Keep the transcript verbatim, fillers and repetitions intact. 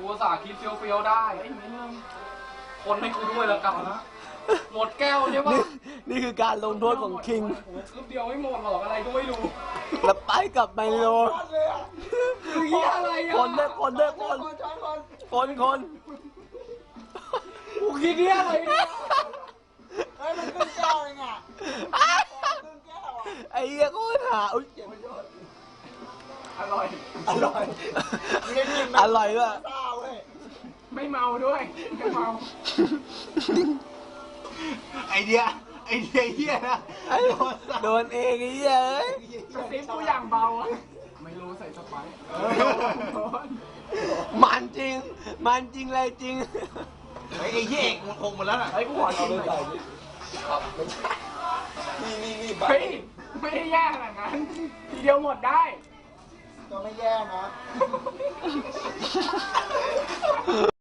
กูสาคิดเฟี้ยวๆได้ไอ้มิ้นคนให้กูด้วยแล้วกันนะหมดแก้วใช่ปะนี่คือการลงโทษของคิงคืบเดียวไม่หมดหรอกอะไรก็ไม่รู้แล้วไปกับไมโลคือเหี้ยอะไรอ่ะคนด้วยคนด้วยคนคนคนกูคิดเหี้ยอะไรเนี่ยเฮ้ยมันขึ้นแก้วเองอ่ะขึ้นแก้วอ่ะไอ้เหี้ยโคตรหาอุ้ยอร่อยอร่อยไม่ได้กินอร่อยด้วยเศร้าเว้ยไม่เมาด้วยไม่เมาไอเดียไอเดียเฮียนะไอ้โดนเองไอ้เหี้ยเอ้ยกระซิบกูอย่างเบาอะไม่รู้ใส่สไปซ์เออโดนมันจริง มันจริงเลยจริงไอไอเฮียเอกมันคงหมดแล้วน่ะไอ้กูขอชิมหน่อยนี่นี่นี่เฮ้ยไม่ได้แย่ขนาดนั้นทีเดียวหมดได้ก็ไม่แย่นะ